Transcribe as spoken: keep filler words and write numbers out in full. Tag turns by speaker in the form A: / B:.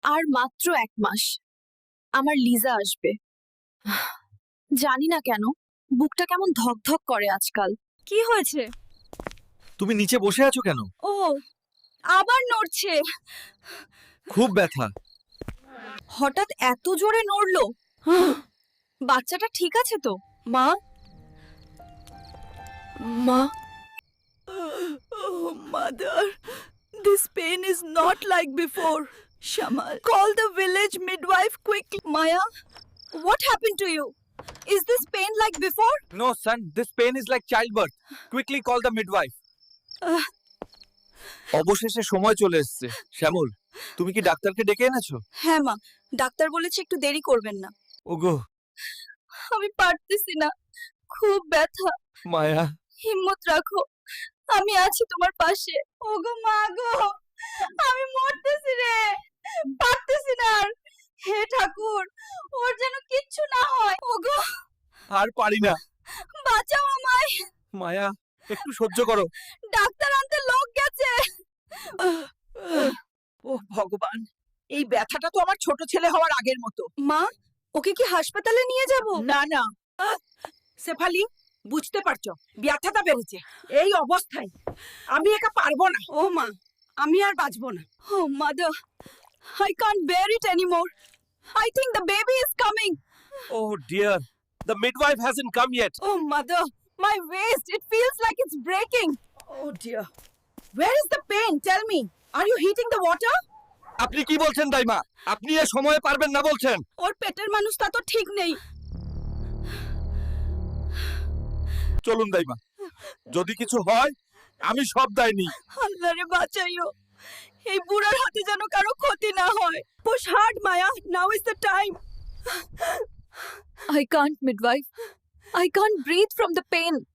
A: আর মাত্র এক মাস আমার লিজা আসবে। জানি না কেন বুকটা কেমন ধকধক করে আজকাল। কি হয়েছে?
B: তুমি নিচে বসে আছো কেন?
A: ও আবার নড়ছে।
B: খুব ব্যথা।
A: হঠাৎ এত জোরে নড়লো। বাচ্চাটা ঠিক আছে তো? মা মা
C: Oh, mother, this pain is not like before. Shamal, call the village midwife quickly.
A: Maya, what happened to you? Is this pain like before?
B: No, son, this pain is like childbirth. Quickly call the midwife.
A: আহ।
B: অবশেষে সময় চলে এসেছে। শ্যামল, তুমি কি ডাক্তারকে ডেকে এনেছো?
A: হ্যাঁ মা, ডাক্তার বলেছে একটু দেরি করবেন না।
B: ওগো,
A: আমি পারতেছি না, খুব ব্যথা।
B: মায়া,
A: হিম্মত রাখো, আমি আছি তোমার পাশে। ওগো মা গো, আমি মরতেছি রে, পারতেছি না আর। হে ঠাকুর, ওর যেন কিচ্ছু না হয়। ওগো,
B: আর পারি না।
A: বাঁচাও আমায়।
B: মায়া, একটু সহ্য করো।
A: ডাক্তার আনতে লোক গেছে।
C: ও ভগবান, এই ব্যথাটা তো আমার ছোট ছেলে হওয়ার আগের মতো।
A: মা, ওকে কি হাসপাতালে নিয়ে যাব?
C: না না, শেফালি, বুঝতে পারছো ব্যথাটা বেড়েছে। এই অবস্থায় আমি একা পারবো না। ও মা, আমি আর বাঁচবো না।
A: Oh mother, I can't bear it anymore. I think the baby is coming.
B: Oh dear, the midwife hasn't come yet.
A: Oh mother, my waist, it feels like it's breaking.
C: Oh dear, where is the pain? Tell me, are you heating the water?
B: আপনি কি বলছেন দাইমা? আপনি এ সময়ে পারবেন না বলছেন?
A: ওর পেটের মানুষটা তো ঠিক নেই।
B: চলুন দাইমা, যদি কিছু হয় আমি সব দায় নিই।
A: আল্লাহ রে বাঁচাইও, এই বুড়ার হাতে যেন কারো ক্ষতি না হয়। Push hard, Maya. Now is the time. I can't, midwife. I can't breathe from the pain.